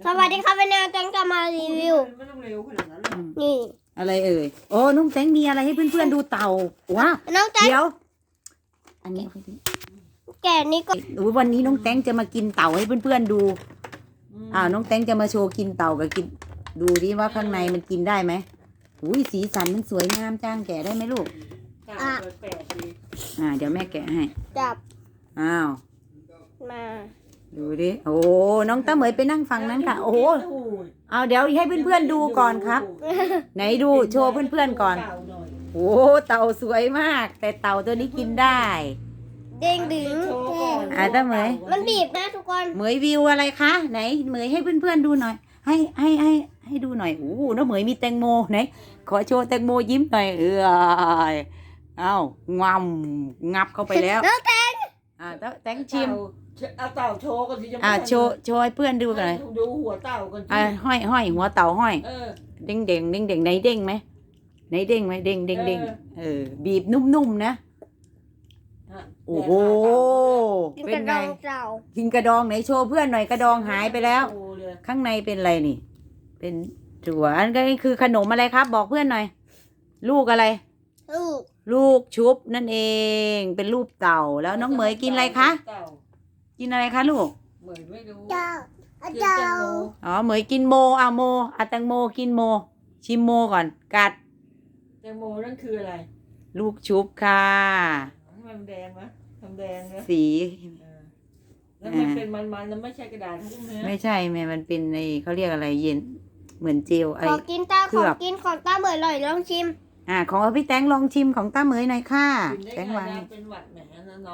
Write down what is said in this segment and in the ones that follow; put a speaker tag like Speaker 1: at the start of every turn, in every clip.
Speaker 1: วัสดีครับวันนี้แตงจะมารีวิว
Speaker 2: ไม่ต้องเร็วขนาดนั้นหรอก
Speaker 1: นี่
Speaker 3: อะไรเอ่ยโอ้น้องแตงมีอะไรให้เพื่อนๆดูเต่าว้า
Speaker 1: น้องแตง
Speaker 3: เดี๋ยวอันนี้
Speaker 1: แกะนี่ก็
Speaker 3: วันนี้น้องแตงจะมากินเต่าให้เพื่อนๆดูน้องแตงจะมาโชว์กินเต่ากับกินดูดิว่าข้างในมันกินได้ไหมอุ้ยสีสันมันสวยงามจ้างแกะได้ไหมลูก
Speaker 2: แปลกดี
Speaker 3: เดี๋ยวแม่แกะให้
Speaker 1: จับ
Speaker 3: อ้าว
Speaker 1: มา
Speaker 3: ดูดิโอ้น้องตาเหมยไปนั่งฟังนั้นค่ะโอ้เอาเดี๋ยวให้เพื่อนๆดูก่อนครับ ไหนดูโชว์เพื่อนๆก่อนโอ้เต่าสวยมาก แต่เต่าตัวนี้กินได้
Speaker 1: เด้งดึง
Speaker 3: ตาเหมย
Speaker 1: มันบีบนะทุกคน
Speaker 3: เหมยวิวอะไรคะไหนเหมยให้เพื่อนๆดูหน่อย ให้ดูหน่อยโอ้น้าเหมยมีแตงโมไหนขอโชว์แตงโมยิ้มหน่อยเอ้างงับเข้าไปแล้ว
Speaker 1: น้องแตง
Speaker 3: แตงชิม
Speaker 2: เอาเต่าโชว์กันสิจะ
Speaker 3: โชว์ให้เพื่อนดูกันหน่อย
Speaker 2: ดูหัวเต่ากันสิ
Speaker 3: ห้อยหัวเต่าห้อย
Speaker 2: เ
Speaker 3: เด้งไหนเด้งไหมไหนเด้งไหมเด้งบีบนุ่มๆนะโอ้โห
Speaker 1: กิน
Speaker 3: เป็
Speaker 1: ก
Speaker 3: น
Speaker 1: ระด
Speaker 3: ไง
Speaker 1: องเจ้า
Speaker 3: กินกระดองไหนโชว์เพื่อนหน่อยกระดองหายไปแล้ว
Speaker 2: โชว์เลย
Speaker 3: ข้างในเป็นอะไรนี่ เป็นถั่วอันนี้คือขนมอะไรครับ บอกเพื่อนหน่อย ลูกอะไร ลูกชุบนั่นเองเป็นรูปเต่าแล้วน้องเหมยกินอะไรคะ
Speaker 2: เต่า
Speaker 3: กินอะไรคะลูก
Speaker 2: เหมยไม่รู้
Speaker 1: เจ้า
Speaker 2: กินแตงโม
Speaker 3: อ๋อเหมยกินโมแตงโมกินโม ชิมโมก่อนกัด
Speaker 2: แตงโมนั่นคืออะไร
Speaker 3: ลูกชุบค่ะ
Speaker 2: ทำไมมันแดงวะทำแดงนะ
Speaker 3: สี
Speaker 2: แล้วมันเป็นมันๆแล้วไม่ใช่กระดาษทุกเนื้อ
Speaker 3: ไม่ใช่แม่มันเป็นในเขาเรียกอะไรเย็นเหมือนเจลไอ
Speaker 1: ขอกินตาของกินของตาเบื่ออร่อยลองชิม
Speaker 3: ของพี่แตงลองชิมของต้าเหมยหน่อยค่ะ
Speaker 2: กินได้
Speaker 3: แตง
Speaker 2: ไง
Speaker 3: วาง
Speaker 2: นะเป็นหวัดแหมนะน้อง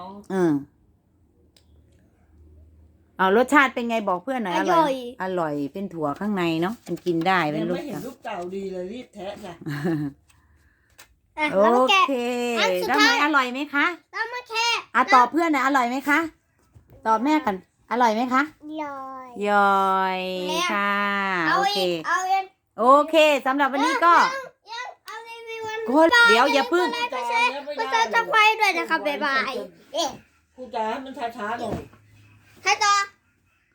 Speaker 3: เอารสชาติเป็นไงบอกเพื่อนหน่อยอร่อยเป็นถั่วข้างในเนาะมันกินได้เป็น
Speaker 2: ยัง
Speaker 3: ลูก
Speaker 2: ไม่เห็นรูปเต่าดีเลยรีบแทะจ้ะ
Speaker 3: โอ
Speaker 1: แล้วแกะ
Speaker 3: เค
Speaker 1: อันสุด
Speaker 3: ต้า
Speaker 1: ท้าย
Speaker 3: เหมยอร่อยไหมคะ
Speaker 1: ต้องมาแค่
Speaker 3: ตอบเพื่อนหน่อยอร่อยไหมคะตอบแม่กันอร่อยไหมคะ
Speaker 1: ลอย
Speaker 3: ยอยค่ะ
Speaker 1: เอา
Speaker 3: โอเค
Speaker 1: อีกเอาอีก
Speaker 3: โอเคสำหรับวันนี้ก็
Speaker 1: ยังเอารีวิววัน
Speaker 3: เดี๋ยวอย่าพึ่ง
Speaker 1: ก็จะจะไฟด้วยนะครับบ๊ายบาย
Speaker 2: กูจ๋ามันช้าๆหน่อย
Speaker 1: ให้ต่อ